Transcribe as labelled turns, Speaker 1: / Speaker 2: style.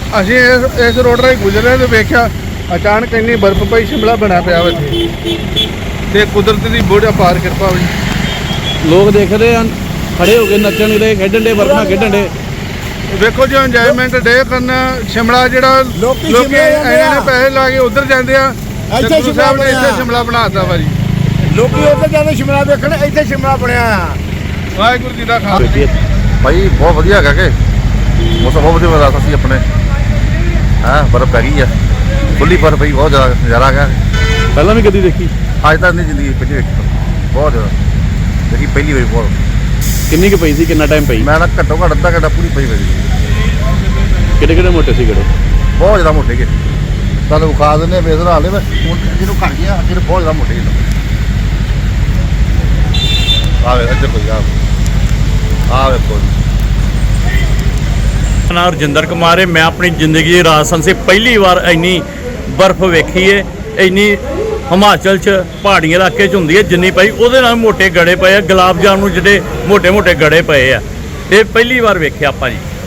Speaker 1: ਅਸੀਂ ਇਸ ਰੋਡ ਰਾਹੀਂ ਗੁਜ਼ਰੇ ਤੇ ਵੇਖਿਆ ਅਚਾਨਕ ਇੰਨੀ ਬਰਫ਼ ਪਈ, ਸ਼ਿਮਲਾ ਬਣਿਆ ਪਿਆ ਵਾ ਇੱਥੇ ਤੇ ਕੁਦਰਤ ਦੀ ਬਹੁਤ ਅਪਾਰ ਕਿਰਪਾ ਹੋਈ।
Speaker 2: ਲੋਕ ਦੇਖਦੇ ਹਨ, ਖੜੇ ਹੋ ਕੇ ਨੱਚਣ ਦੇ, ਖੇਡਣ ਦੇ, ਬਰਫ ਨਾਲ ਖੇਡਣ ਦੇ।
Speaker 1: ਵੇਖੋ ਜੀ ਇੰਜੋਇਮੈਂਟ ਡੇ ਕਰਨ ਸ਼ਿਮਲਾ ਜਿਹੜਾ ਲੋਕੀ ਇਹਨਾਂ ਨੇ ਪੈਸੇ ਲਾ ਕੇ ਉਧਰ ਜਾਂਦੇ ਆ,
Speaker 3: ਇੱਥੇ
Speaker 1: ਗੁਰੂ ਸਾਹਿਬ ਨੇ ਇੱਥੇ ਸ਼ਿਮਲਾ ਬਣਾਤਾ ਵਾ ਜੀ।
Speaker 3: ਲੋਕੀ ਉੱਧਰ ਜਾਂਦੇ ਸ਼ਿਮਲਾ ਵੇਖਣ, ਇੱਥੇ ਸ਼ਿਮਲਾ ਬਣਿਆ ਆ।
Speaker 1: ਵਾਹਿਗੁਰੂ ਜੀ ਦਾ ਖਾਲਸਾ।
Speaker 4: ਭਾਈ ਬਹੁਤ ਵਧੀਆ ਹੈਗਾ ਕਿ ਮੌਸਮ ਬਹੁਤ ਵਧੀਆ ਰਾਤ ਸੀ ਆਪਣੇ। ਹਾਂ ਬਰਫ਼ ਪੈ ਗਈ ਆ, ਖੁੱਲੀ ਬਰਫ਼ ਪਈ, ਬਹੁਤ ਜ਼ਿਆਦਾ ਨਜ਼ਾਰਾ ਹੈਗਾ।
Speaker 2: ਪਹਿਲਾਂ ਵੀ ਕਦੀ ਦੇਖੀ?
Speaker 4: ਅੱਜ ਤੱਕ ਨਹੀਂ ਜ਼ਿੰਦਗੀ ਪਹਿਲੀ ਵੇਖੀ, ਬਹੁਤ ਜ਼ਿਆਦਾ ਦੇਖੀ ਪਹਿਲੀ ਵਾਰੀ। ਬਹੁਤ
Speaker 2: ਕਿੰਨੀ ਕੁ ਪਈ ਸੀ, ਕਿੰਨਾ ਟਾਈਮ ਪਈ?
Speaker 4: ਮੈਂ ਨਾ ਘੱਟੋ ਘੱਟ ਅੱਧਾ ਘੰਟਾ ਪੂਰੀ ਪਈ ਮੇਰੀ।
Speaker 2: ਕਿਹੜੇ ਕਿਹੜੇ ਮੋਟੇ ਸੀ ਗੜੇ?
Speaker 4: ਬਹੁਤ ਜ਼ਿਆਦਾ ਮੋਟੇ ਗਏ, ਤੁਹਾਨੂੰ ਵਿਖਾ ਦਿੰਦੇ ਬੇਸਰ ਹਾਲੇ ਮੈਂ ਹੁਣ ਜਿਹਨੂੰ ਘੜ ਗਿਆ, ਅੱਗੇ ਨੂੰ ਬਹੁਤ ਜ਼ਿਆਦਾ ਮੋਟੇ ਗਏ। ਆਵੇ ਇੱਧਰ ਕੋਈ ਆਵੇ ਕੋਈ।
Speaker 5: ਨਾਮ ਰਜਿੰਦਰ ਕੁਮਾਰ ਹੈ। ਮੈਂ ਆਪਣੀ ਜ਼ਿੰਦਗੀ ਦੀ ਰਾਜਸਥਾਨ ਸੇ ਪਹਿਲੀ ਵਾਰ ਇੰਨੀ ਬਰਫ਼ ਵੇਖੀ ਹੈ। ਇੰਨੀ ਹਿਮਾਚਲ 'ਚ ਪਹਾੜੀ ਇਲਾਕੇ 'ਚ ਹੁੰਦੀ ਹੈ ਜਿੰਨੀ ਪਈ, ਉਹਦੇ ਨਾਲ ਮੋਟੇ ਗੜੇ ਪਏ ਆ। ਗੁਲਾਬ ਜਾਮ ਨੂੰ ਜਿਹੜੇ ਮੋਟੇ ਮੋਟੇ ਗੜੇ ਪਏ ਆ, ਇਹ ਪਹਿਲੀ ਵਾਰ ਵੇਖਿਆ ਆਪਾਂ ਜੀ।